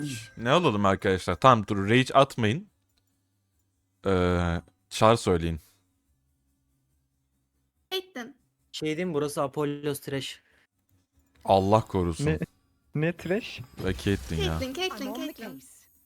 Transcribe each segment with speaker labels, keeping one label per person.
Speaker 1: Ne alalım arkadaşlar? Tamam dur rage atmayın. Char söyleyin.
Speaker 2: Caitlyn.
Speaker 3: Şey diyeyim mi? Burası Apollos Trash.
Speaker 1: Allah korusun.
Speaker 4: Ne? Ne trash?
Speaker 1: Ve Caitlyn ya.
Speaker 2: Caitlyn.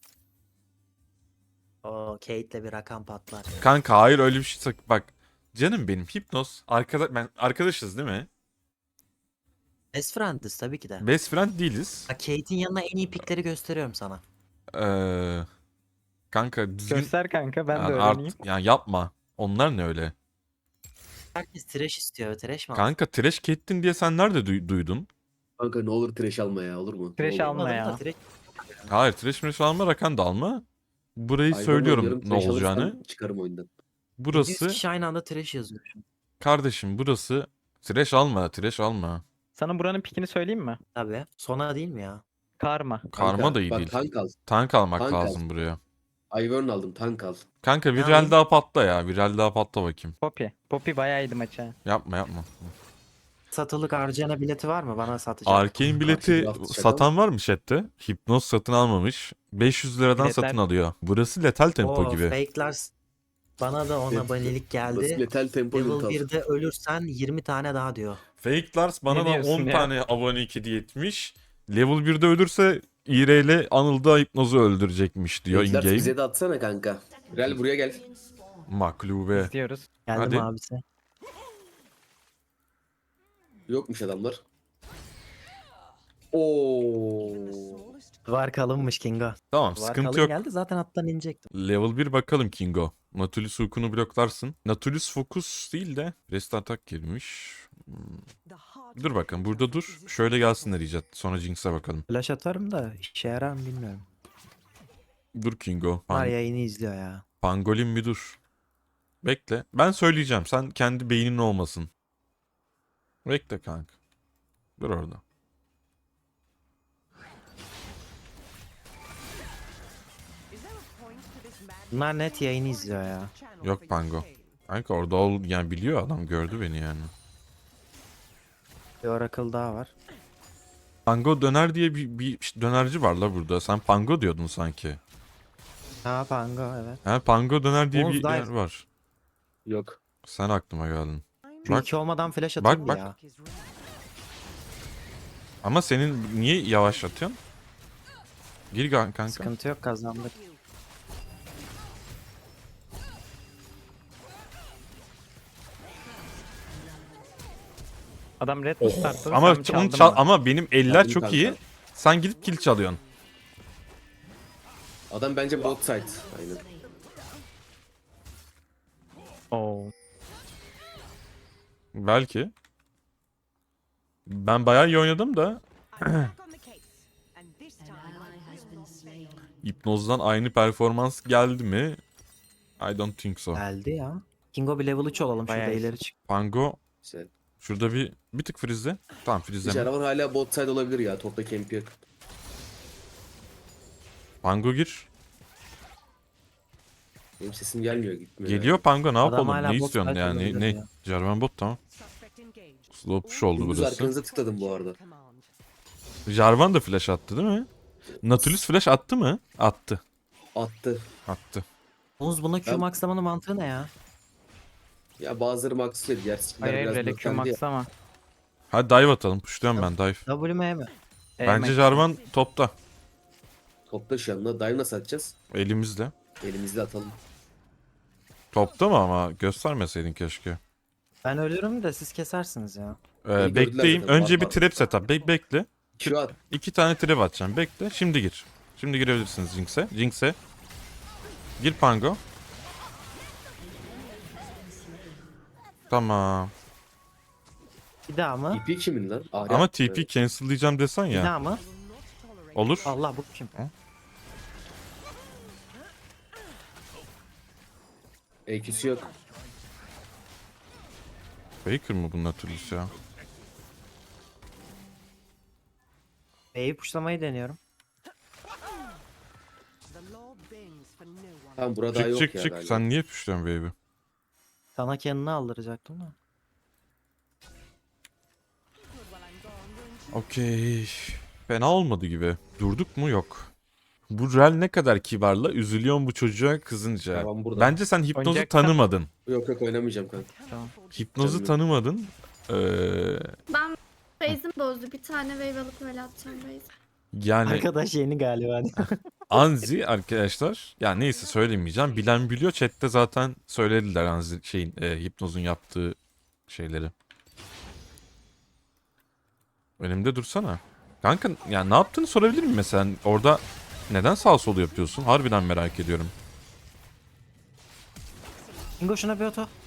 Speaker 3: Oo Kate'le bir rakam patlar.
Speaker 1: Kanka hayır öyle bir şey bak. Canım benim Hipnoz. Ben arkadaşız değil mi?
Speaker 3: Best friend'iz tabii ki de.
Speaker 1: Best friend değiliz.
Speaker 3: Bak Kate'in yanına en iyi pickleri gösteriyorum sana.
Speaker 1: Ee, kanka düzgün
Speaker 4: Göster kanka ben de
Speaker 1: yani
Speaker 4: öğreneyim.
Speaker 1: yani yapma. Onlar ne öyle?
Speaker 3: Herkes trash istiyor. Trash mi alsın?
Speaker 1: Kanka trash Caitlyn diye sen nerede duydun?
Speaker 5: Kanka ne olur trash alma ya, olur mu?
Speaker 4: Trash
Speaker 5: Ne olur.
Speaker 4: alma
Speaker 3: Anladım da
Speaker 4: ya.
Speaker 3: trash.
Speaker 1: Hayır trash mesh alma rakan da alma. Burayı
Speaker 5: Hayvan
Speaker 1: söylüyorum
Speaker 5: oynuyorum,
Speaker 1: ne
Speaker 5: trash
Speaker 1: olacağını.
Speaker 5: alırsam çıkarım oyundan.
Speaker 3: 100
Speaker 1: Burası
Speaker 3: kişi aynı anda trash yazıyor. şu an.
Speaker 1: kardeşim burası trash alma trash alma.
Speaker 4: Sana buranın pikini söyleyeyim mi?
Speaker 3: Tabii. Sona değil mi ya?
Speaker 4: Karma.
Speaker 1: Karma
Speaker 5: Kanka,
Speaker 1: da iyi
Speaker 5: bak,
Speaker 1: değil.
Speaker 5: tank al.
Speaker 1: Tank almak
Speaker 5: Tank al.
Speaker 1: lazım buraya.
Speaker 5: Ivern aldım, tank al.
Speaker 1: Kanka
Speaker 3: Ne
Speaker 1: viral
Speaker 3: alayım?
Speaker 1: daha patla ya. Viral daha patla bakayım.
Speaker 4: Poppy. Poppy bayağı iyiydi maça.
Speaker 1: Yapma.
Speaker 3: Satılık harcana bileti var mı? Bana satacak.
Speaker 1: Arcane bileti
Speaker 5: draft şaka
Speaker 1: satan var mı chatte? Hipnoz satın almamış. 500 liradan
Speaker 4: Biletler-
Speaker 1: satın alıyor. Burası letal tempo
Speaker 3: Oo
Speaker 1: gibi.
Speaker 3: fake'lar. Bana da ona
Speaker 5: Evet.
Speaker 3: abonelik
Speaker 5: Burası
Speaker 3: geldi.
Speaker 5: Lethal Tempo
Speaker 3: Level
Speaker 5: Unit al.
Speaker 3: 1'de ölürsen 20 tane daha diyor.
Speaker 1: Fake Lars bana
Speaker 4: Ne
Speaker 1: da
Speaker 4: diyorsun
Speaker 1: 10
Speaker 4: ya?
Speaker 1: tane abone hediye etmiş. Level 1'de ölürse İre ile Anıl'da Hipnoz'u öldürecekmiş diyor
Speaker 5: Fakelers
Speaker 1: in-game.
Speaker 5: bize de atsana kanka. Real buraya gel.
Speaker 1: Maklube.
Speaker 4: İstiyoruz.
Speaker 3: Geldim
Speaker 1: Hadi.
Speaker 3: abisi.
Speaker 5: Yokmuş adamlar. Oo.
Speaker 3: Var kalınmış Kingo.
Speaker 1: Tamam
Speaker 3: Var
Speaker 1: sıkıntı
Speaker 3: kalın
Speaker 1: yok.
Speaker 3: geldi zaten attan inecektim.
Speaker 1: Level 1 bakalım Kingo. Nautilus Hook'unu bloklarsın. Nautilus Focus değil de Rest Attack girmiş. Dur bakalım burada dur. Şöyle gelsinler icat. Sonra Jinx'e bakalım.
Speaker 3: Flash atarım da işe yarar mı bilmiyorum.
Speaker 1: Dur Kingo.
Speaker 3: Var yayını izliyor ya.
Speaker 1: Pangolin bir dur. Bekle. Ben söyleyeceğim. Sen kendi beynin olmasın. Bekle kanka. Dur orada.
Speaker 3: Bunlar net yayını izliyor ya.
Speaker 1: Yok Pango. Kanka orada yani biliyor adam gördü beni yani.
Speaker 3: Bir Oracle daha var.
Speaker 1: Pango döner diye bir dönerci var la burada. Sen Pango diyordun sanki.
Speaker 3: Ha Pango evet.
Speaker 1: Ha Pango döner diye
Speaker 3: Oğuz
Speaker 1: bir
Speaker 3: Dive.
Speaker 1: yer var.
Speaker 5: Yok.
Speaker 1: Sen aklıma geldin.
Speaker 3: Şu
Speaker 1: Bak,
Speaker 3: iki olmadan flash
Speaker 1: bak,
Speaker 3: atıldı
Speaker 1: bak.
Speaker 3: ya.
Speaker 1: Ama senin niye yavaşlatıyorsun? Gir kanka.
Speaker 3: Sıkıntı yok kazandık.
Speaker 4: Adam red mi startladı?
Speaker 1: Ama
Speaker 4: sen mi
Speaker 1: onu
Speaker 4: çaldın
Speaker 1: çal
Speaker 4: mı?
Speaker 1: ama benim eller
Speaker 5: Çaldım
Speaker 1: çok
Speaker 5: kanka.
Speaker 1: iyi. Sen gidip kill çalıyorsun.
Speaker 5: Adam bence bot side. Aynen.
Speaker 4: Oo.
Speaker 1: Belki. Ben bayağı iyi oynadım da Hipnoz'dan aynı performans geldi mi? I don't think so.
Speaker 3: Geldi ya. Kingo bir level 3 olalım
Speaker 4: Bayağı
Speaker 3: şurada
Speaker 4: iyi.
Speaker 3: ileri çık.
Speaker 1: Pango
Speaker 5: Güzel.
Speaker 1: şurada bir tık frizle. Tamam frizleme.
Speaker 5: Jaravan hala bot side olabilir ya. Topta camp yok.
Speaker 1: Pango gir.
Speaker 5: Benim sesim gelmiyor, gitmiyor.
Speaker 1: Geliyor Pango ne
Speaker 3: Adam
Speaker 1: yapalım?
Speaker 3: hala
Speaker 1: Ne
Speaker 3: bot
Speaker 1: istiyorsun
Speaker 3: fight
Speaker 1: yani?
Speaker 3: olabilir
Speaker 1: Ne?
Speaker 3: ya.
Speaker 1: Jarvan bot tamam. Slow push oldu
Speaker 5: Gündüz
Speaker 1: burası.
Speaker 5: arkanıza tıkladım bu arada.
Speaker 1: Jarvan da flash attı değil mi? Nautilus flash attı mı? Attı.
Speaker 5: Attı.
Speaker 1: Attı.
Speaker 3: Oğuz buna Q
Speaker 5: Ben-
Speaker 3: maxlamanın mantığı ne ya?
Speaker 5: Ya bazıları maxlıyor. Diğer skiller
Speaker 4: Hayır
Speaker 5: biraz
Speaker 4: Emre'yle Q
Speaker 5: blokendi ya.
Speaker 4: max ama.
Speaker 1: Hadi dive atalım. Pushluyorum ben dive.
Speaker 3: WM mi?
Speaker 1: Bence Jarvan topta.
Speaker 5: Topta şu anda. Dive nasıl atacağız?
Speaker 1: Elimizde.
Speaker 5: Elimizle atalım.
Speaker 1: Topta mı ama göstermeseydin keşke.
Speaker 3: Ben ölürüm de siz kesersiniz ya.
Speaker 5: Beni gördüler
Speaker 1: Bekleyeyim.
Speaker 5: zaten,
Speaker 1: Önce bir
Speaker 5: var.
Speaker 1: trap setup. Bekle.
Speaker 5: Şu at.
Speaker 1: 2 tane trap atacağım. Bekle. Şimdi gir. Şimdi girebilirsiniz Jinx'e. Jinx'e. Gir Pango. Tamam.
Speaker 3: Bir daha mı?
Speaker 5: TP kimin lan? Ahri
Speaker 1: Ama
Speaker 5: attı.
Speaker 1: TP cancel'layacağım desen
Speaker 3: Bir
Speaker 1: ya.
Speaker 3: daha mı?
Speaker 1: Olur.
Speaker 3: Allah bu kim?
Speaker 5: EQ'si yok.
Speaker 1: Faker mı bunun Nautilus ya?
Speaker 3: B'yi puşlamayı deniyorum.
Speaker 5: Tamam burada yok
Speaker 1: Çık
Speaker 5: ya
Speaker 1: çık.
Speaker 5: galiba.
Speaker 1: Sen niye pushluyorsun baby?
Speaker 3: Sana kendini aldıracaktım da.
Speaker 1: Okey. Fena olmadı gibi. Durduk mu? Yok. Bu Rel ne kadar kibarla üzülüyorum bu çocuğa kızınca.
Speaker 5: Tamam, burada.
Speaker 1: Bence sen hipnozu
Speaker 4: Oynayacaksan-
Speaker 1: tanımadın.
Speaker 5: Yok oynamayacağım kanka.
Speaker 4: Tamam.
Speaker 1: Hipnozu
Speaker 5: Canım
Speaker 1: tanımadın.
Speaker 2: Ben base'im bozdu. Bir tane wave alıp öyle atacağım base.
Speaker 1: Yani
Speaker 3: Arkadaş yeni galiba.
Speaker 1: Anzi arkadaşlar. Ya neyse söylemeyeceğim. Bilen biliyor. Chat'te zaten söylediler Anzi hipnozun yaptığı şeyleri. Önümde dursana. Kanka ya ne yaptığını sorabilir miyim mesela? Orada neden sağ sol yapıyorsun? Harbiden merak ediyorum.
Speaker 3: Kingo şuna bir oto.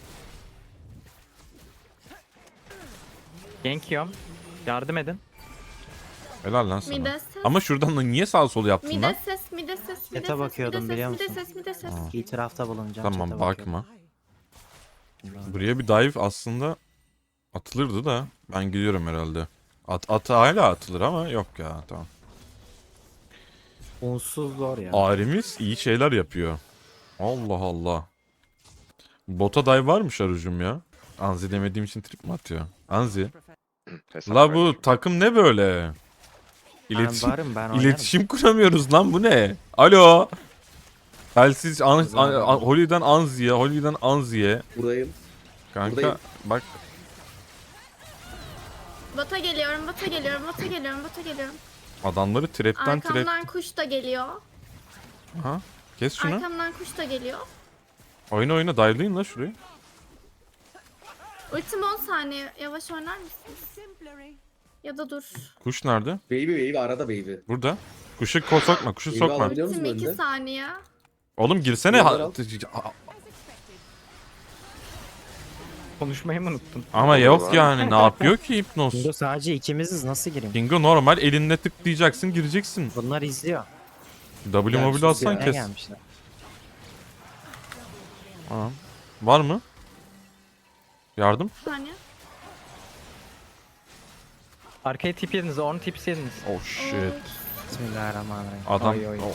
Speaker 4: Gank yiyorum. Yardım edin.
Speaker 1: Helal lan sana.
Speaker 2: Mide ses.
Speaker 1: Ama şuradan da niye sağ sol yaptın
Speaker 2: Mide
Speaker 1: lan?
Speaker 2: ses, mide ses, mide
Speaker 3: Chat'e
Speaker 2: ses,
Speaker 3: bakıyordum,
Speaker 2: mide
Speaker 3: biliyor
Speaker 2: ses, mide
Speaker 3: musun?
Speaker 2: ses, mide ses.
Speaker 3: İtirafta bulunacağım.
Speaker 1: Tamam
Speaker 3: chat'e
Speaker 1: bakma.
Speaker 3: bakıyorum.
Speaker 1: Buraya bir dive aslında atılırdı da ben gidiyorum herhalde. At hala atılır ama yok ya tamam.
Speaker 3: Onsuz zor ya.
Speaker 1: Arimiz iyi şeyler yapıyor. Allah Allah. Bota dive varmış Arucum ya. Anzi demediğim için trip mi atıyor? Anzi.
Speaker 6: Hesap
Speaker 1: La bu
Speaker 6: verdim.
Speaker 1: takım ne böyle?
Speaker 3: Ben
Speaker 1: İletişim,
Speaker 3: varım, ben oynarım.
Speaker 1: iletişim kuramıyoruz lan bu ne? Alo. Telsiz Holy'den Anzi'ye, Holy'den Anzi'ye.
Speaker 5: Buradayım.
Speaker 1: Kanka
Speaker 5: Buradayım.
Speaker 1: bak
Speaker 2: Bota geliyorum, bota geliyorum, bota geliyorum, bota geliyorum.
Speaker 1: adamları trapten
Speaker 2: Arkamdan kuş da geliyor.
Speaker 1: Ha? Kes şunu.
Speaker 2: Arkamdan kuş da geliyor.
Speaker 1: Oyna dive'layın la şurayı.
Speaker 2: Ultim 10 saniye. Yavaş oynar mısınız? Ya da dur.
Speaker 1: Kuş nerede?
Speaker 5: Baby arada baby.
Speaker 1: Burada. Kuşu sokma, kuşu
Speaker 5: İyi
Speaker 1: sokma.
Speaker 5: vallahi. Biliyor musun
Speaker 2: Ultim 2
Speaker 5: önde?
Speaker 2: saniye.
Speaker 1: Oğlum girsene.
Speaker 5: Yollar al.
Speaker 4: Konuşmayı mı unuttun?
Speaker 1: Ama yok yani ne yapıyor ki hipnoz?
Speaker 3: Kingo sadece ikimiziz, nasıl gireyim?
Speaker 1: Bingo normal elinle tıklayacaksın gireceksin.
Speaker 3: Bunlar izliyor.
Speaker 1: W mobil atsan
Speaker 3: Ne
Speaker 1: kes.
Speaker 3: gelmişler?
Speaker 1: Tamam. Var mı? Yardım?
Speaker 2: Bir saniye.
Speaker 4: Arkaya tip yediniz. Onu tip yediniz.
Speaker 1: Oh shit.
Speaker 3: Bismillahirrahmanirrahim.
Speaker 1: Adam.
Speaker 4: Oy, oy.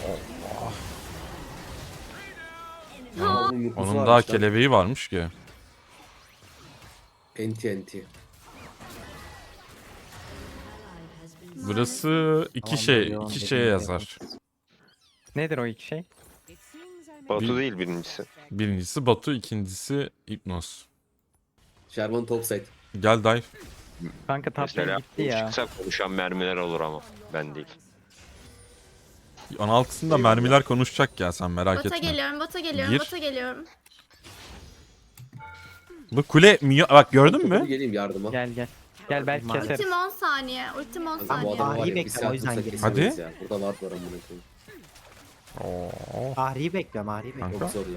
Speaker 1: Onun daha kelebeği varmış ki.
Speaker 5: Enti.
Speaker 1: Burası
Speaker 3: Tamam,
Speaker 1: iki şeye yazar.
Speaker 4: Nedir o iki şey?
Speaker 6: Batu değil birincisi.
Speaker 1: Birincisi Batu, ikincisi Hipnoz.
Speaker 5: Sherman topside.
Speaker 1: Gel dive.
Speaker 4: Kanka top lane
Speaker 6: Mesela
Speaker 4: gitti ya.
Speaker 6: çıksa konuşan mermiler olur ama ben değil.
Speaker 1: 16'sında mermiler konuşacak ya sen merak
Speaker 2: Bota
Speaker 1: etme.
Speaker 2: geliyorum, bota geliyorum,
Speaker 1: Gir.
Speaker 2: bota geliyorum.
Speaker 1: Bu kule bak gördün
Speaker 5: Hadi
Speaker 1: mü?
Speaker 5: geleyim yardıma.
Speaker 4: Gel. Gel belki
Speaker 3: Maalesef.
Speaker 4: keseriz.
Speaker 2: Ultim 10 saniye, ultim 10
Speaker 5: Kanka, bu
Speaker 2: saniye.
Speaker 5: adam var ya,
Speaker 3: Ahri'yi
Speaker 5: bir
Speaker 3: bekliyorum, o
Speaker 5: saat
Speaker 3: yüzden
Speaker 5: olsa
Speaker 3: girdim.
Speaker 5: kesemeyiz
Speaker 1: Hadi.
Speaker 5: ya. Burada var amına koyayım.
Speaker 1: Oo.
Speaker 3: Ahri'yi bekliyorum, Ahri'yi bekliyorum.
Speaker 1: Kanka.
Speaker 5: Çok zor ya.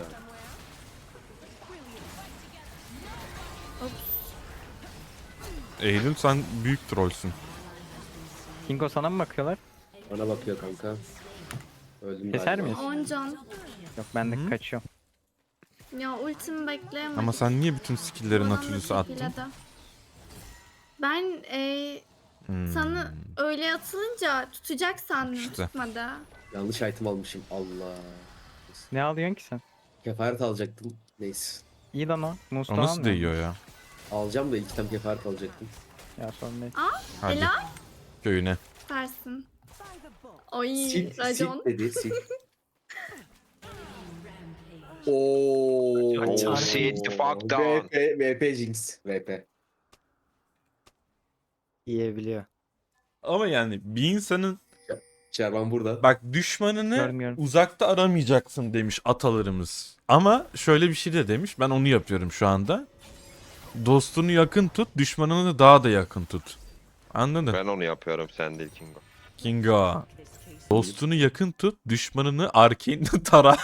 Speaker 1: Eylül sen büyük trollsün.
Speaker 4: Kingo sana mı bakıyorlar?
Speaker 5: Bana bakıyor kanka. Öldüm
Speaker 4: Keser
Speaker 5: galiba.
Speaker 4: miyiz?
Speaker 2: 10 can.
Speaker 4: Yok ben de
Speaker 1: Hı.
Speaker 4: kaçıyorum.
Speaker 2: Ya ultimi bekleyemedim.
Speaker 1: Ama sen niye bütün skill'lerin
Speaker 2: Adam da
Speaker 1: Natulus'u attın?
Speaker 2: tekiledi. Ben
Speaker 1: Hmm.
Speaker 2: sana öyle atılınca tutacak sandım,
Speaker 1: İşte.
Speaker 2: tutmadı.
Speaker 5: Yanlış item almışım. Allah.
Speaker 4: Ne alıyorsun ki sen?
Speaker 5: Kefaret alacaktım. Neyse.
Speaker 4: İyi lan o. Musta
Speaker 1: O nasıl
Speaker 4: almıyor
Speaker 1: değiyor ya?
Speaker 5: Alacağım da ilk item kefaret alacaktım.
Speaker 4: Ya sorun değil.
Speaker 1: Hadi
Speaker 2: Helal
Speaker 1: köyüne.
Speaker 2: versin. Oy
Speaker 5: Sil
Speaker 2: racon.
Speaker 5: dedi sil. Ooo.
Speaker 6: Oh, sit the fuck down.
Speaker 5: VP Jinx. VP.
Speaker 3: Yiyebiliyor.
Speaker 1: Ama yani bir insanın
Speaker 5: Sherman burada.
Speaker 1: bak düşmanını
Speaker 4: Görmüyorum.
Speaker 1: uzakta aramayacaksın demiş atalarımız. Ama şöyle bir şey de demiş. Ben onu yapıyorum şu anda. Dostunu yakın tut, düşmanını daha da yakın tut. Anladın?
Speaker 6: Ben onu yapıyorum sen değil Kingo.
Speaker 1: Kingo. Dostunu yakın tut, düşmanını arkane'de tara.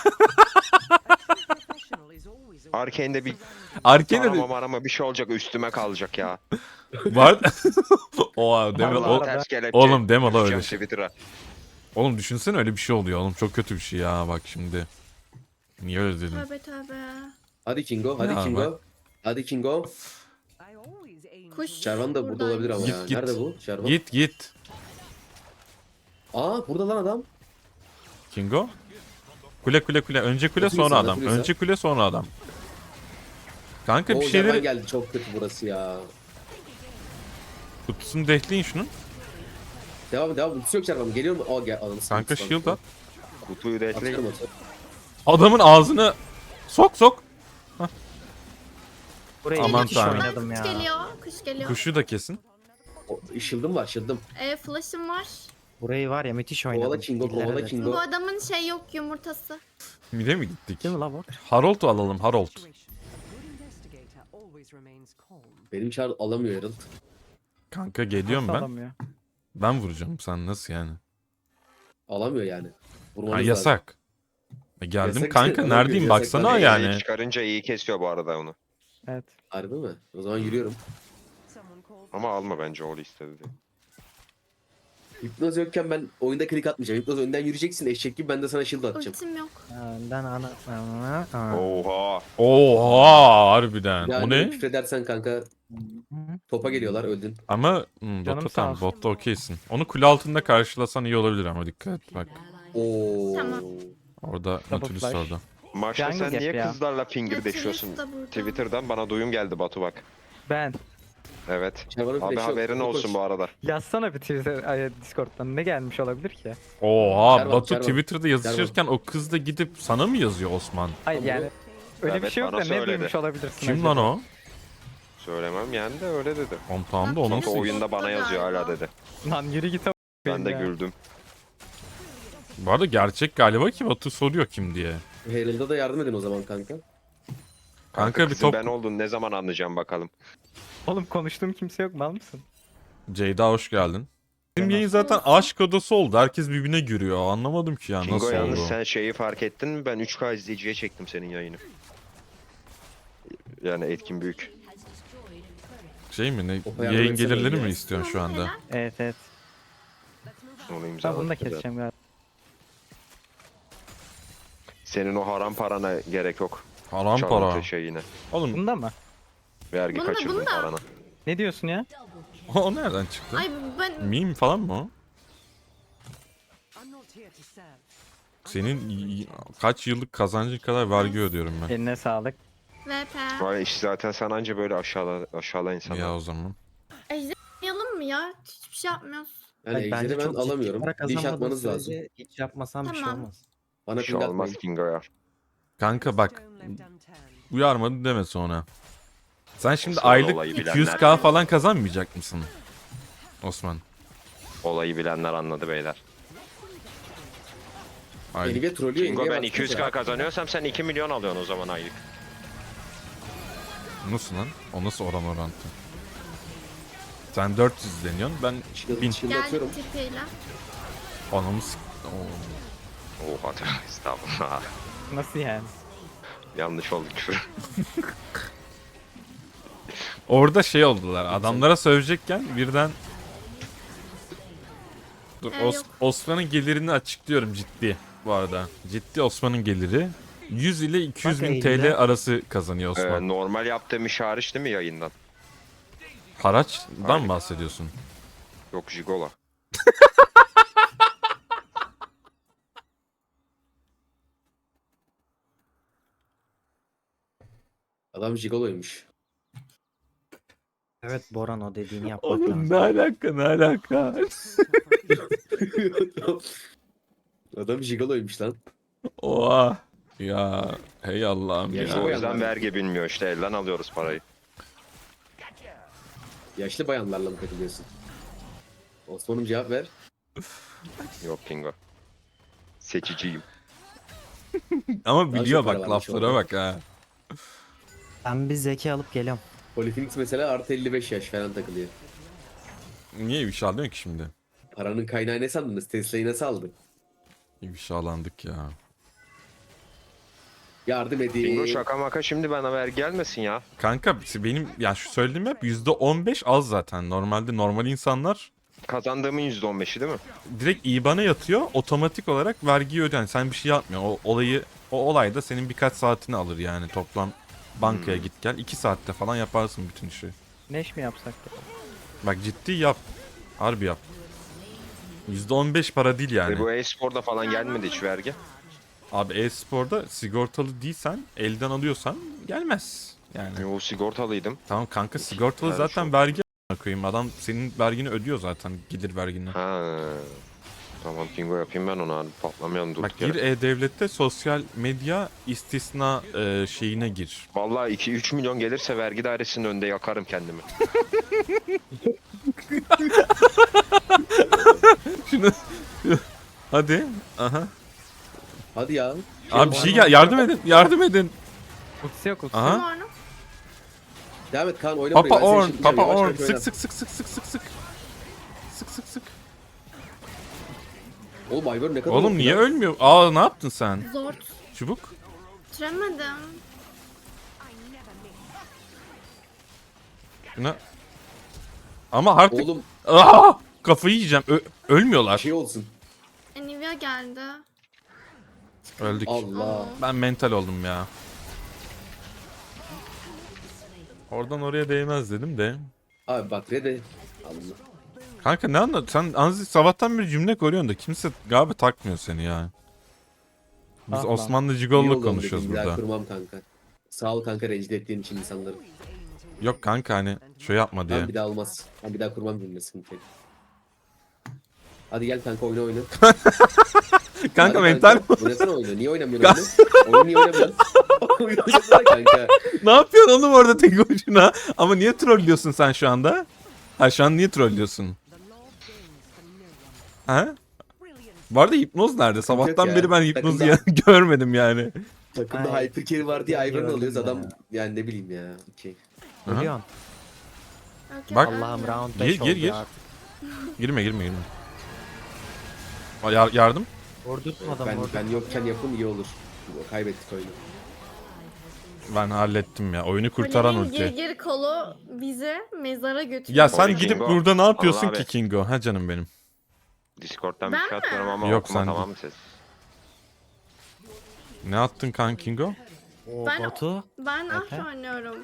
Speaker 6: Arkane'de bir
Speaker 1: Arkane'de
Speaker 6: arama bir şey olacak üstüme kalacak ya.
Speaker 1: var. Oha deme.
Speaker 6: Vallahi ters kelepçe.
Speaker 1: Oğlum deme la öyle
Speaker 6: Düşeceğim
Speaker 1: şey.
Speaker 6: Twitter'a.
Speaker 1: Oğlum düşünsene öyle bir şey oluyor oğlum. Çok kötü bir şey ya bak şimdi. Niye öyle dedin?
Speaker 2: Tövbe tövbe.
Speaker 5: Hadi Kingo. Hadi
Speaker 1: Ya
Speaker 5: Kingo.
Speaker 1: bak.
Speaker 5: Hadi Kingo.
Speaker 2: Kuş
Speaker 5: Sherman da burada olabilir ama
Speaker 1: Git,
Speaker 5: ya.
Speaker 1: git.
Speaker 5: Nerede bu? Sherman.
Speaker 1: Git.
Speaker 5: Aa burada lan adam.
Speaker 1: Kingo. Kule. Önce kule
Speaker 5: Oturursa,
Speaker 1: sonra adam.
Speaker 5: oturursa.
Speaker 1: Önce kule sonra adam. Kanka
Speaker 5: Oo
Speaker 1: bir
Speaker 5: Sherman
Speaker 1: şeyleri
Speaker 5: geldi. Çok kötü burası ya.
Speaker 1: kutusunu dehleyin şunun.
Speaker 5: Devam. Ultisi yok Servan'ın. Geliyor mu? Aa gel. Ananı
Speaker 1: Kanka
Speaker 5: satayım.
Speaker 1: shield at.
Speaker 6: Kutuyu da ekleyin.
Speaker 5: Atıyorum atıyorum.
Speaker 1: Adamın ağzını sok.
Speaker 3: Burayı
Speaker 1: Aman
Speaker 3: müthiş
Speaker 1: tanrım.
Speaker 3: oynadım
Speaker 2: Kuş
Speaker 3: ya.
Speaker 2: geliyor. Kuş geliyor.
Speaker 1: Kuşu da kesin.
Speaker 5: Shield'ım var shield'ım.
Speaker 2: Flash'ım var.
Speaker 3: Burayı var ya müthiş oynadım.
Speaker 5: Kovala Kingo,
Speaker 3: İllere
Speaker 5: kovala
Speaker 3: de.
Speaker 5: Kingo.
Speaker 2: Bu adamın şey yok yumurtası.
Speaker 1: Mide mi gittik?
Speaker 3: Değil mi la bu?
Speaker 1: Harold'u alalım Harold.
Speaker 5: Benim çar alamıyor Herald.
Speaker 1: Kanka geliyorum ben.
Speaker 4: Alamıyor.
Speaker 1: Ben vuracağım. Sen nasıl yani?
Speaker 5: Alamıyor yani. Vurmanız
Speaker 1: Ha
Speaker 5: lazım.
Speaker 1: yasak. Geldim
Speaker 5: Yasak
Speaker 1: kanka
Speaker 5: işte,
Speaker 1: neredeyim
Speaker 5: yasak
Speaker 1: baksana
Speaker 5: tabii.
Speaker 1: yani.
Speaker 6: Çıkarınca iyi kesiyor bu arada onu.
Speaker 4: Evet.
Speaker 5: Harbi mi? O zaman yürüyorum.
Speaker 6: Ama alma bence o istedi diye.
Speaker 5: Hipnoz yokken ben oyunda klik atmayacağım. Hipnoz önden yürüyeceksin eşek gibi, ben de sana shield atacağım.
Speaker 2: Ultim yok.
Speaker 3: Önden ana.
Speaker 6: Oha.
Speaker 1: Oha harbiden.
Speaker 5: Yani
Speaker 1: O ne?
Speaker 5: küfredersen kanka topa geliyorlar, öldün.
Speaker 1: Ama
Speaker 4: Canım
Speaker 1: botta
Speaker 4: sağ
Speaker 1: tamam
Speaker 4: olsun.
Speaker 1: botta okeysin. Onu kule altında karşılasan iyi olabilir ama dikkat et bak.
Speaker 5: Oo.
Speaker 2: Tamam.
Speaker 1: Orada Nautilus
Speaker 4: flash.
Speaker 1: orada.
Speaker 6: Maçta
Speaker 4: Jungle
Speaker 6: sen
Speaker 4: gap
Speaker 6: niye
Speaker 4: ya.
Speaker 6: kızlarla finger
Speaker 2: Nautilus
Speaker 6: deşiyorsun?
Speaker 2: da burada.
Speaker 6: Twitter'dan bana duyum geldi Batu bak.
Speaker 4: Ben.
Speaker 6: Evet.
Speaker 5: Şervan'ın
Speaker 6: Abi
Speaker 5: flash'ı yok.
Speaker 6: haberin
Speaker 5: Koş.
Speaker 6: olsun bu arada.
Speaker 4: Yazsana bir Twitter, Discord'dan ne gelmiş olabilir ki?
Speaker 1: Oha
Speaker 5: Servan,
Speaker 1: Batu
Speaker 5: Servan.
Speaker 1: Twitter'da yazışırken o kız da gidip sana mı yazıyor Osman?
Speaker 4: Hayır
Speaker 5: Tamam.
Speaker 4: yani öyle bir
Speaker 6: Evet,
Speaker 4: şey yok da
Speaker 6: bana
Speaker 4: ne
Speaker 6: söyledi.
Speaker 4: duymuş olabilirsin
Speaker 1: Kim
Speaker 4: acaba?
Speaker 1: lan o?
Speaker 6: Söylemem yani de öyle dedi.
Speaker 1: Oğlum tamam da o
Speaker 2: Bak,
Speaker 1: nasıl?
Speaker 6: O oyunda bana yazıyor hala dedi.
Speaker 4: Lan yürü git
Speaker 6: Ben de
Speaker 4: ya.
Speaker 6: güldüm.
Speaker 1: Bu arada gerçek galiba ki Batu soruyor kim diye.
Speaker 5: Herald'a da yardım edin o zaman kanka.
Speaker 1: Kanka bir
Speaker 6: Kızın
Speaker 1: top.
Speaker 6: ben olduğunu ne zaman anlayacağım bakalım.
Speaker 4: Oğlum konuştuğum kimse yok mal mısın?
Speaker 1: Ceyda hoş geldin. Bizim yayın zaten aşk odası oldu. Herkes birbirine giriyor. Anlamadım ki ya
Speaker 6: Kingo
Speaker 1: nasıl
Speaker 6: yalnız
Speaker 1: oldu.
Speaker 6: sen şeyi fark ettin mi? Ben 3K izleyiciye çektim senin yayını. Yani etkin büyük.
Speaker 1: Şey mi ne?
Speaker 5: Opa yardım
Speaker 1: Yayın
Speaker 5: etsene
Speaker 1: gelirleri
Speaker 5: ya.
Speaker 1: mi istiyorsun şu anda?
Speaker 4: Evet evet.
Speaker 6: Onu
Speaker 4: Ben bunu da
Speaker 6: imzaladım.
Speaker 4: keseceğim galiba.
Speaker 6: Senin o haram parana gerek yok.
Speaker 1: Haram para.
Speaker 6: Çalıntı şeyine.
Speaker 1: Oğlum
Speaker 4: Bunda mı?
Speaker 6: Vergi
Speaker 2: Bunda,
Speaker 6: kaçırdın
Speaker 2: bunda.
Speaker 6: parana.
Speaker 4: Ne diyorsun ya?
Speaker 1: o nereden çıktı?
Speaker 2: Ay ben
Speaker 1: Meme falan mı o? Senin kaç yıllık kazancın kadar vergi ödüyorum ben.
Speaker 4: Eline sağlık.
Speaker 2: VP.
Speaker 6: Vay iş zaten sen anca böyle aşağıla insanlar.
Speaker 1: Ya o zaman.
Speaker 2: Ejderhalayalım mı ya? Hiçbir şey yapmıyoruz.
Speaker 5: Yani
Speaker 3: Bence
Speaker 5: ejderi ben
Speaker 3: çok ciddi
Speaker 5: alamıyorum.
Speaker 3: para
Speaker 5: Bir iş
Speaker 3: kazanmadığın
Speaker 5: atmanız lazım.
Speaker 3: sürece hiç yapmasam bir şey
Speaker 2: Tamam.
Speaker 3: olmaz.
Speaker 5: Bana
Speaker 6: Bir şey
Speaker 5: ping
Speaker 6: olmaz
Speaker 5: atmayın.
Speaker 6: Kingo ya.
Speaker 1: Kanka bak uyarmadı deme sonra. Sen şimdi
Speaker 6: Osman
Speaker 1: aylık
Speaker 6: olayı bilenler.
Speaker 1: 200k falan kazanmayacak mısın? Osman.
Speaker 6: Olayı bilenler anladı beyler.
Speaker 1: Aylık.
Speaker 5: Nvidia trollüyor.
Speaker 6: Kingo
Speaker 5: Nvidia
Speaker 6: ben
Speaker 5: baksana.
Speaker 6: 200k kazanıyorsam sen 2 milyon alıyorsun o zaman aylık.
Speaker 1: Nasıl lan? O nasıl oran orantı? Sen 400 izleniyorsun ben 1000.
Speaker 5: Shield atıyorum.
Speaker 2: Geldik tipiyle.
Speaker 1: Anamı Oo.
Speaker 6: Oha tövbe estağfurullah.
Speaker 4: Nasıl yani?
Speaker 6: Yanlış oldu küfür.
Speaker 1: Orada şey oldular. Adamlara sövecekken birden Dur
Speaker 2: Yok.
Speaker 1: Osman'ın gelirini açıklıyorum ciddi bu arada. Ciddi Osman'ın geliri 100 ile 200
Speaker 3: Bak
Speaker 1: bin TL
Speaker 3: eğilde.
Speaker 1: arası kazanıyor Osman.
Speaker 6: Normal yaptığım iş hariç değil mi yayından?
Speaker 1: Haraçtan mı bahsediyorsun?
Speaker 6: Yok jigola.
Speaker 5: Adam jigoloymuş.
Speaker 3: Evet Boran o dediğini yapmak lazım.
Speaker 1: alaka ne alaka?
Speaker 5: Adam jigoloymuş lan.
Speaker 1: Oha. Ya hey Allah'ım
Speaker 5: Ya
Speaker 1: ya.
Speaker 5: işte
Speaker 6: O
Speaker 5: o
Speaker 6: yüzden
Speaker 5: yanlar.
Speaker 6: vergi bilmiyor işte elden alıyoruz parayı.
Speaker 5: Yaşlı bayanlarla mı takılıyorsun? Osman'ım cevap ver.
Speaker 6: Yok Kingo. Seçiciyim.
Speaker 1: Ama
Speaker 5: Daha
Speaker 1: biliyor
Speaker 5: çok para
Speaker 1: bak
Speaker 5: varmış
Speaker 1: laflara
Speaker 5: orada.
Speaker 1: bak ha.
Speaker 3: Ben bir zeki alıp geliyorum.
Speaker 5: Polyphenix mesela artı 55 yaş falan takılıyor.
Speaker 1: Niye ifşalıyorsun ki şimdi?
Speaker 5: Paranın kaynağı ne sandınız? Tesla'yı nasıl aldı?
Speaker 1: İfşalandık ya.
Speaker 5: Yardım
Speaker 6: Kingo
Speaker 5: edin.
Speaker 6: şaka maka şimdi bana vergi gelmesin ya.
Speaker 1: Kanka benim ya şu söylediğim hep %15 az zaten. Normalde normal insanlar
Speaker 6: Kazandığımın %15'i değil mi?
Speaker 1: direkt IBAN'a yatıyor. Otomatik olarak vergiyi ödüyor. Yani sen bir şey yapmıyorsun. O olayda senin birkaç saatini alır yani toplam bankaya git gel. 2 saatte falan yaparsın bütün işi.
Speaker 4: Neş mi yapsak ya?
Speaker 1: Bak ciddi yap. Harbi yap. %15 para değil yani.
Speaker 6: Ve bu e-sporda falan gelmedi hiç vergi.
Speaker 1: Abi e-sporda sigortalı değilsen, elden alıyorsan gelmez. Yani
Speaker 6: Yo sigortalıydım.
Speaker 1: tamam kanka sigortalı
Speaker 6: Yani
Speaker 1: zaten
Speaker 6: şu-
Speaker 1: vergi koyayım. Adam senin vergini ödüyor zaten. Gelir vergini.
Speaker 6: Ha. Tamam Kingo yapayım ben onu abi. Patlamayalım durduk
Speaker 1: Bak gir
Speaker 6: yere.
Speaker 1: E-Devlet'te sosyal medya istisna şeyine gir.
Speaker 6: Vallahi 2-3 milyon gelirse vergi dairesinin önünde yakarım kendimi.
Speaker 1: Şunu hadi. Aha.
Speaker 5: Hadi ya.
Speaker 1: Abi bir şey gel, yardım edin. Yardım edin.
Speaker 4: Ultisi yok ultisi.
Speaker 1: Aha.
Speaker 2: Var mı?
Speaker 5: Devam et Kaan oyna
Speaker 1: Papa
Speaker 5: burayı. Ben seni
Speaker 1: Orn,
Speaker 5: şimdi
Speaker 1: Papa
Speaker 5: yavaş
Speaker 1: Orn.
Speaker 5: yavaş oyna.
Speaker 1: Sık sık sık sık sık sık sık. Sık sık sık.
Speaker 5: Oğlum Ivern ne kadar
Speaker 1: Oğlum
Speaker 5: oldu
Speaker 1: niye
Speaker 5: ya?
Speaker 1: ölmüyor? Aa ne yaptın sen?
Speaker 2: Zor.
Speaker 1: Çubuk.
Speaker 2: Bitiremedim.
Speaker 1: Şuna. Ama artık
Speaker 5: Oğlum
Speaker 1: kafayı yiyeceğim. Ölmüyorlar.
Speaker 5: şey olsun.
Speaker 2: Nivea geldi.
Speaker 1: Öldük.
Speaker 5: Allah.
Speaker 1: Ben mental oldum ya. Oradan oraya değmez dedim de.
Speaker 5: Abi bak Red'e. Allah.
Speaker 1: Kanka ne anlat? Sen Anzi sabahtan bir cümle koruyorsun da kimse galiba takmıyor seni ya. Biz
Speaker 4: Ah lan.
Speaker 1: Osmanlı
Speaker 5: İyi
Speaker 1: Cigol'la
Speaker 5: oldu
Speaker 1: konuşuyoruz
Speaker 5: dedim, bir daha
Speaker 1: burada.
Speaker 5: kurmam kanka. Sağ ol kanka rencide ettiğin için insanları.
Speaker 1: Yok kanka hani şey yapma diye.
Speaker 5: Ben bir daha olmaz. Ben bir daha kurmam cümle sıkıntı yok. Hadi gel kanka oyna oyna.
Speaker 1: Kanka
Speaker 5: Hadi
Speaker 1: mental
Speaker 5: Oynasana oyunu. Niye oynamıyorsun oyunu? Oyunu niye oynamıyorsun? Oyunu oynasana kanka.
Speaker 1: ne yapıyorsun oğlum orada tek başına? Ama niye trollüyorsun sen şu anda? Ha şu an niye trollüyorsun? Ha? Bu arada hipnoz nerede? Sabahtan
Speaker 5: ya.
Speaker 1: beri ben hipnozu
Speaker 5: Takımda-
Speaker 1: görmedim yani.
Speaker 5: Takımda
Speaker 3: Ay,
Speaker 5: hypercarry var diye Ivern
Speaker 3: gördüm
Speaker 5: alıyoruz
Speaker 3: ya.
Speaker 5: adam. Yani ne bileyim ya. Okey.
Speaker 1: Aha.
Speaker 3: Ölüyorsun.
Speaker 2: Okey,
Speaker 1: Bak.
Speaker 2: öldü.
Speaker 3: Allah'ım round
Speaker 1: Gir,
Speaker 3: 5
Speaker 1: gir,
Speaker 3: oldu
Speaker 1: gir.
Speaker 3: artık.
Speaker 1: Girme. Yardım.
Speaker 3: Vurdurtmadım
Speaker 5: Ben yokken yapın iyi olur. Kaybettik oyunu.
Speaker 1: Ben hallettim ya. Oyunu kurtaran
Speaker 2: Kulenin
Speaker 1: ulti.
Speaker 2: gir kolu bizi mezara götürüyor.
Speaker 1: Ya sen
Speaker 6: Oy,
Speaker 1: gidip
Speaker 6: Kingo.
Speaker 1: burada ne yapıyorsun
Speaker 6: Allah
Speaker 1: ki
Speaker 6: abi.
Speaker 1: Kingo? Ha canım benim.
Speaker 6: Discord'dan bir
Speaker 2: Ben
Speaker 6: şey
Speaker 2: mi?
Speaker 6: atıyorum ama
Speaker 1: Yok,
Speaker 6: okuma
Speaker 1: sen
Speaker 6: tamam
Speaker 1: değil.
Speaker 6: mı ses?
Speaker 1: Ne attın kan Kingo?
Speaker 3: O
Speaker 2: Ben-
Speaker 3: Batu.
Speaker 2: Ben
Speaker 3: Efe?
Speaker 2: ah oynuyorum.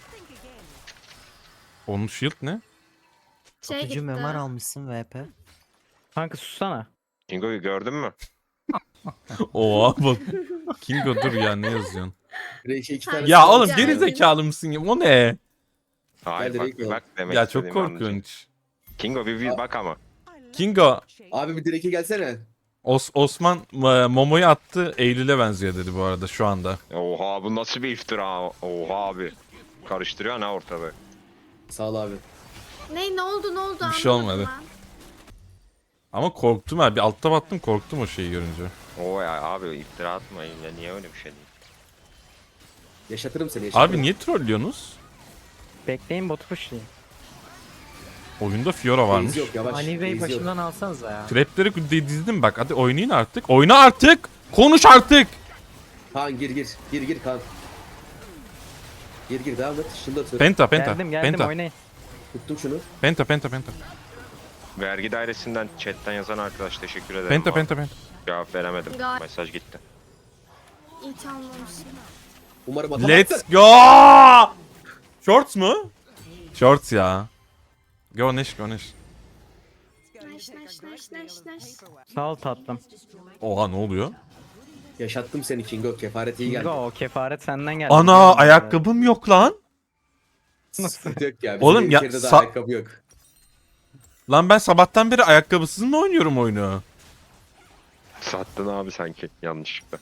Speaker 1: Onun shield ne?
Speaker 2: Şey
Speaker 3: Batucu
Speaker 2: gitti.
Speaker 3: memar almışsın VP.
Speaker 4: Kanka sussana.
Speaker 6: Kingo'yu gördün mü?
Speaker 1: Oha bak. Kingo dur ya ne yazıyorsun?
Speaker 5: Reşe iki
Speaker 2: Ya
Speaker 5: tane
Speaker 1: Ya
Speaker 5: sağ-
Speaker 1: oğlum
Speaker 2: Ya,
Speaker 1: geri zekalı mısın ya? O ne?
Speaker 6: Hayır
Speaker 5: Gel
Speaker 6: bak
Speaker 5: direkt
Speaker 6: bir
Speaker 5: ol.
Speaker 6: bak demek
Speaker 1: Ya çok
Speaker 6: istediğimi anlayacaksın.
Speaker 1: korkunç.
Speaker 6: Kingo bir bak ama.
Speaker 1: Kingo
Speaker 5: Abi bir direk'e gelsene.
Speaker 1: Osman Momo'yu attı Eylül'e benziyor dedi bu arada şu anda.
Speaker 6: Oha bu nasıl bir iftira? Oha abi. Karıştırıyor ne ortalığı.
Speaker 5: Sağ ol abi.
Speaker 2: Ne oldu
Speaker 1: Bir şey
Speaker 2: anlamadım
Speaker 1: olmadı.
Speaker 2: ben.
Speaker 1: Ama korktum ha bir altta battım korktum o şeyi görünce.
Speaker 6: Oo ya abi iftira atmayın ya niye öyle bir şey değil.
Speaker 5: Yaşatırım seni yaşatırım.
Speaker 1: Abi niye trollüyorsunuz?
Speaker 4: Bekleyin botu pushlayayım.
Speaker 1: Oyunda Fiora varmış.
Speaker 5: Base yok yavaş.
Speaker 3: Ani Bey
Speaker 5: Base yok.
Speaker 3: başımdan alsanıza ya.
Speaker 1: Trapleri dizdim bak hadi oynayın artık. Oyna artık. Konuş artık.
Speaker 5: Kaan gir. Gir Kaan. Gir devam et. Şunu da atıyorum.
Speaker 1: Penta.
Speaker 4: Geldim oynayın.
Speaker 5: Tuttum şunu.
Speaker 1: Penta.
Speaker 6: Vergi dairesinden chatten yazan arkadaş teşekkür ederim.
Speaker 1: Penta.
Speaker 6: Cevap veremedim.
Speaker 2: Gal-
Speaker 6: Mesaj gitti.
Speaker 2: İyi çalmamışım.
Speaker 5: Umarım atamazsın.
Speaker 1: Let's go. Shorts mu? Shorts ya. Go Neş.
Speaker 2: Neş.
Speaker 4: Sağ ol tatlım.
Speaker 1: Oha ne oluyor?
Speaker 5: Yaşattım seni Kingo. Kefaret iyi geldi.
Speaker 4: Kingo o kefaret senden geldi.
Speaker 1: Ana ayakkabım yok lan.
Speaker 5: Sıkıntı yok ya. Bizim
Speaker 1: Oğlum ya,
Speaker 5: ülkede de
Speaker 1: sa-
Speaker 5: ayakkabı yok.
Speaker 1: Lan ben sabahtan beri ayakkabısız mı oynuyorum oyunu?
Speaker 6: Sattın abi sanki yanlışlıkla.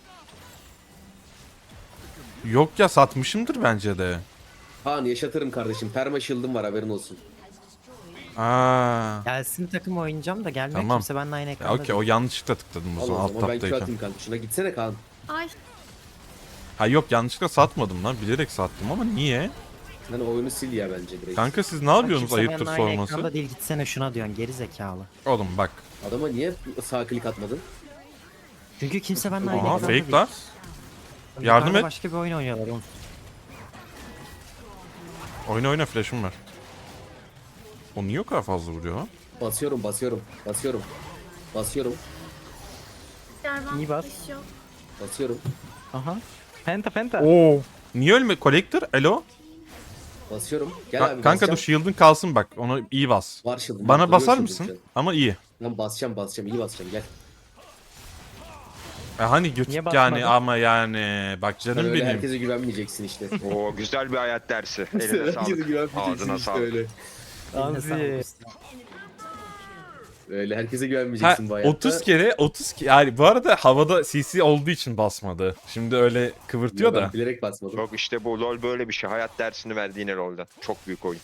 Speaker 1: Yok ya satmışımdır bence de.
Speaker 5: Kaan yaşatırım kardeşim. Perma shield'ım var haberin olsun.
Speaker 1: Aa.
Speaker 3: Gelsin takım oynayacağım da gelmiyor
Speaker 1: Tamam.
Speaker 3: kimse benimle aynı
Speaker 1: Ya
Speaker 3: ekranda
Speaker 1: okey o
Speaker 3: değil.
Speaker 1: yanlışlıkla tıkladım o
Speaker 5: Allah
Speaker 1: zaman
Speaker 5: o
Speaker 1: alt
Speaker 5: zaman ben Q
Speaker 1: taptayken.
Speaker 5: atayım Kaan. Şuna gitsene Kaan.
Speaker 2: Ay
Speaker 1: Ha yok yanlışlıkla satmadım lan bilerek sattım ama niye?
Speaker 5: Sen oyunu sil ya bence direkt.
Speaker 1: Kanka siz ne
Speaker 3: Bak,
Speaker 1: yapıyorsunuz
Speaker 3: kimse
Speaker 1: ayıptır
Speaker 3: benimle aynı
Speaker 1: sorması?
Speaker 3: ekranda değil gitsene şuna diyorsun geri zekalı.
Speaker 1: Oğlum bak.
Speaker 5: Adama niye sağ klik atmadın?
Speaker 3: Çünkü kimse benimle aynı
Speaker 1: Aha
Speaker 3: ekranda değil.
Speaker 1: fake lan. Yardım
Speaker 3: Yukarıda
Speaker 1: et.
Speaker 3: Başka bir oyun oynuyorlar oğlum.
Speaker 1: Oyna flash'ım var. O niye o kadar fazla vuruyor lan?
Speaker 5: Basıyorum.
Speaker 2: yerden
Speaker 4: İyi bas.
Speaker 2: iş yok.
Speaker 5: Basıyorum.
Speaker 4: Aha. Penta.
Speaker 1: Oo. Niye ölme? Collector? Elo?
Speaker 5: Basıyorum. Gel abi
Speaker 1: Kanka dur
Speaker 5: basacağım.
Speaker 1: shield'ın kalsın bak. Onu iyi bas.
Speaker 5: Var shield'ım.
Speaker 1: Bana
Speaker 5: Duruyor
Speaker 1: basar
Speaker 5: shield'ım
Speaker 1: mısın?
Speaker 5: şu an.
Speaker 1: Ama iyi.
Speaker 5: Lan basacağım. İyi basacağım. Gel.
Speaker 1: Hani götük
Speaker 4: Niye
Speaker 1: yani
Speaker 4: basmadın?
Speaker 1: ama yani. Bak
Speaker 5: Sen
Speaker 1: canım
Speaker 5: öyle
Speaker 1: benim.
Speaker 5: herkese güvenmeyeceksin işte.
Speaker 6: Oo güzel bir hayat dersi. Eline
Speaker 5: Herkese
Speaker 6: sağlık.
Speaker 5: güvenmeyeceksin
Speaker 6: Ağzına
Speaker 5: işte
Speaker 6: sağlık.
Speaker 5: öyle.
Speaker 3: Eline sağlık
Speaker 4: Anzi.
Speaker 3: usta.
Speaker 5: Öyle herkese
Speaker 1: Ha,
Speaker 5: güvenmeyeceksin bu hayatta.
Speaker 1: 30 kere yani bu arada havada CC olduğu için basmadı. Şimdi öyle kıvırtıyor
Speaker 5: Ben
Speaker 1: da.
Speaker 5: bilerek basmadım.
Speaker 6: Yok işte bu LoL böyle bir şey. Hayat dersini verdi yine LoL'den. Çok büyük oyun.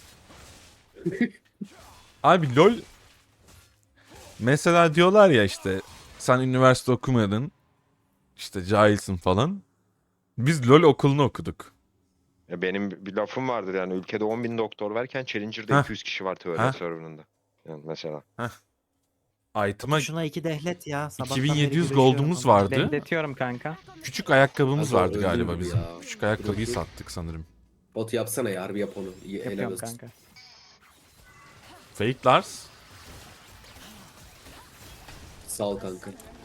Speaker 1: Abi LoL mesela diyorlar ya işte sen üniversite okumadın. İşte cahilsin falan. Biz LoL okulunu okuduk.
Speaker 6: Ya benim bir lafım vardır yani. Ülkede 10.000 doktor varken Challenger'da
Speaker 1: Heh.
Speaker 6: 200 kişi var teori
Speaker 1: Heh.
Speaker 6: serverında. Yani mesela.
Speaker 1: Item'a
Speaker 3: Şuna 2 dehlet ya. Sabahtan
Speaker 1: 2700
Speaker 3: beri
Speaker 1: gold'umuz
Speaker 3: güreşiyorum.
Speaker 1: vardı.
Speaker 4: Bekletiyorum kanka.
Speaker 1: Küçük ayakkabımız
Speaker 5: Kanka
Speaker 1: vardı galiba
Speaker 5: öldürdü
Speaker 1: bizim.
Speaker 5: ya.
Speaker 1: Küçük ayakkabıyı
Speaker 5: Dur bakayım.
Speaker 1: sattık sanırım.
Speaker 5: Bot yapsana ya, harbi yap onu. İyi, helal
Speaker 4: Yapıyorum
Speaker 5: olsun.
Speaker 4: kanka.
Speaker 1: Fake Lars.
Speaker 5: Sağ ol kanka.